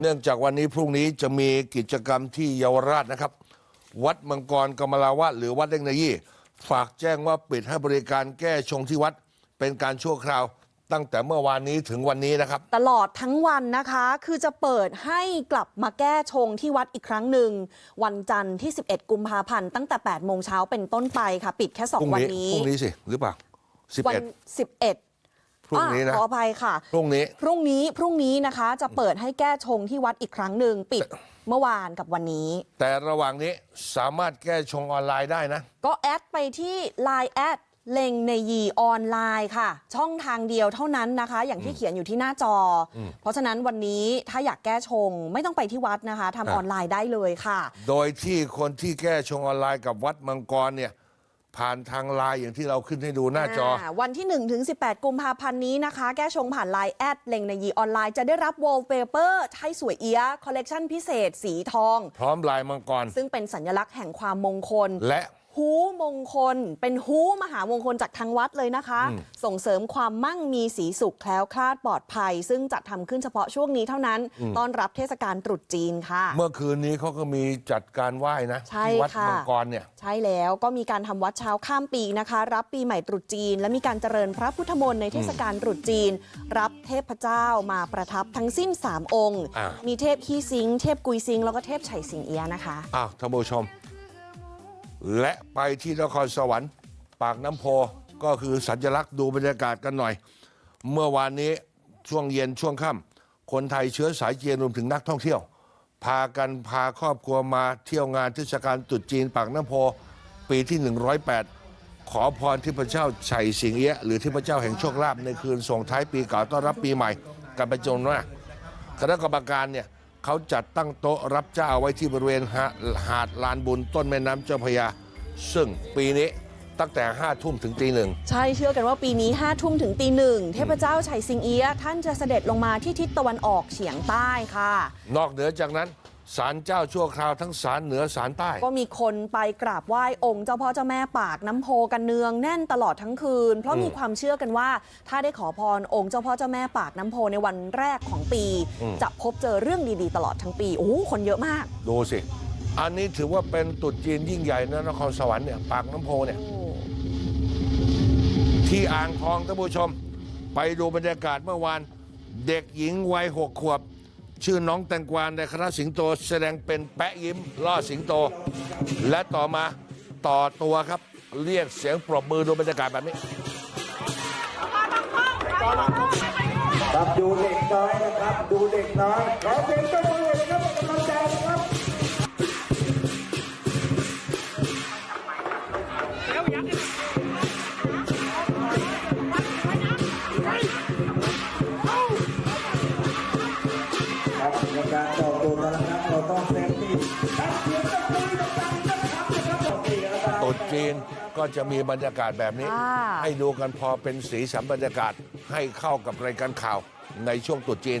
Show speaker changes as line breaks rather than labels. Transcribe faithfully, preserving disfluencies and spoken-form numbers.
เนื่องจากวันนี้พรุ่งนี้จะมีกิจกรรมที่เยาวราชนะครับ วัดมังกรกมลาวาสหรือวัดเล่งนายี่ฝากแจ้งว่าปิดให้บริการแก้ชงที่วัดเป็นการชั่วคราวตั้งแต่เมื่อวานนี้ถึงวันนี้นะครับ
ตลอดทั้งวันนะคะคือจะเปิดให้กลับมาแก้ชงที่วัดอีกครั้งหนึ่งวันจันทร์ที่สิบเอ็ดกุมภาพันธ์ตั้งแต่แปดโมงเช้าเป็นต้นไปค่ะปิดแค่สองวันนี้
พรุ่งนี้สิหรือเปล่าสิบเอ็ด
วันสิบเอ็ด
พรุ่งนี้นะ
ขออภัยค่ะ
พรุ่งนี้
พรุ่งนี้พรุ่งนี้นะคะจะเปิดให้แก้ชงที่วัดอีกครั้งหนึ่งปิดเมื่อวานกับวันนี้
แต่ระหว่างนี้สามารถแก้ชงออนไลน์ได้นะ
ก็แอดไปที่ ไลน์ แอดเล็งในยีออนไลน์ค่ะช่องทางเดียวเท่านั้นนะคะอย่างที่เขียนอยู่ที่หน้าจอเพราะฉะนั้นวันนี้ถ้าอยากแก้ชงไม่ต้องไปที่วัดนะคะทำออนไลน์ได้เลยค่ะ
โดยที่คนที่แก้ชงออนไลน์กับวัดมังกรเนี่ยผ่านทางไลน์อย่างที่เราขึ้นให้ดูหน้าจอ
วันที่หนึ่งถึงสิบแปดกุมภาพันธ์นี้นะคะแก้ชงผ่าน ไลน์ แอดเล็งในยีออนไลน์จะได้รับวอลเปเปอร์ให้สวยเอี้ยคอลเลกชันพิเศษสีทอง
พร้อมลายมังกร
ซึ่งเป็นสัญลักษณ์แห่งความมงคล
และ
ฮูมงคลเป็นฮูมหามงคลจากทางวัดเลยนะคะส่งเสริมความมั่งมีสีสุขแคล้วคลาดปลอดภัยซึ่งจะทำขึ้นเฉพาะช่วงนี้เท่านั้นต้อนรับเทศกาลตรุษจีนค่ะ
เมื่อคืนนี้เขาก็มีจัดการไหว้นะที่วัดมังกรเนี่ย
ใช่แล้วก็มีการทำวัดเช้าข้ามปีนะคะรับปีใหม่ตรุษจีนและมีการเจริญพระพุทธมนต์ในเทศกาลตรุษจีนรับเทพเจ้ามาประทับทั้งสิ้นสามองค์มีเทพฮีซิงเทพกุยซิงแล้วก็เทพไฉสิงเอียะนะคะ
อ้าวท่านผู้ชมและไปที่นครสวรรค์ปากน้ำโพก็คือสัญลักษณ์ดูบรรยากาศกันหน่อยเมื่อวานนี้ช่วงเย็นช่วงค่ำคนไทยเชื้อสายจีนรวมถึงนักท่องเที่ยวพากันพาครอบครัวมาเที่ยวงานเทศกาลตรุษจีนปากน้ำโพปีที่หนึ่งร้อยแปดขอพรที่พระเจ้าไฉสิงเอี้ยะหรือที่พระเจ้าแห่งโชคลาภในคืนส่งท้ายปีเก่าต้อนรับปีใหม่กันเป็นจำนวนมากคณะกรรมการเนี่ยเขาจัดตั้งโต๊ะรับเจ้าไว้ที่บริเวณหาดลานบุญต้นแม่น้ำเจ้าพระยาซึ่งปีนี้ตั้งแต่ห้าทุ่มถึงตีหนึ่ง
ใช่เชื่อกันว่าปีนี้ห้าทุ่มถึงตีหนึ่งเทพเจ้าไฉสิงเอี้ยะท่านจะเสด็จลงมาที่ทิศตะวันออกเฉียงใต้ค่ะ
นอกเหนือจากนั้นศาลเจ้าชั่วคราวทั้งศาลเหนือศาลใต้
ก็มีคนไปกราบไหว้องค์เจ้าพ่อเจ้าแม่ปากน้ำโพกันเนืองแน่นตลอดทั้งคืนเพราะมีความเชื่อกันว่าถ้าได้ขอพรองค์เจ้าพ่อเจ้าแม่ปากน้ำโพในวันแรกของปีจะพบเจอเรื่องดีๆตลอดทั้งปีโอ้โหคนเยอะมาก
ดูสิอันนี้ถือว่าเป็นตรุษจีนยิ่งใหญ่นะนครสวรรค์เนี่ยปากน้ำโพเนี่ยที่อ่างทองท่านผู้ชมไปดูบรรยากาศเมื่อวานเด็กหญิงวัยหกขวบชื่อน้องแตงกวาในคณะสิงโตแสดงเป็นแปะยิ้มล่อสิงโตและต่อมาต่อตัวครับเรียกเสียงปรบมือดูบรรยากาศแบบนี้
ครับดูเด็กน้อยนะครับดูเด็กน้อยขอเสียงปรบมือนะครับกำลังใจนะครับในการต่อตัวนะครับเราต้องเซฟตี้
ตรุษจีนก็จะมีบรรยากาศแบบนี้ให้ดูกันพอเป็นสีสันบรรยากาศให้เข้ากับรายการข่าวในช่วงตรุษจีน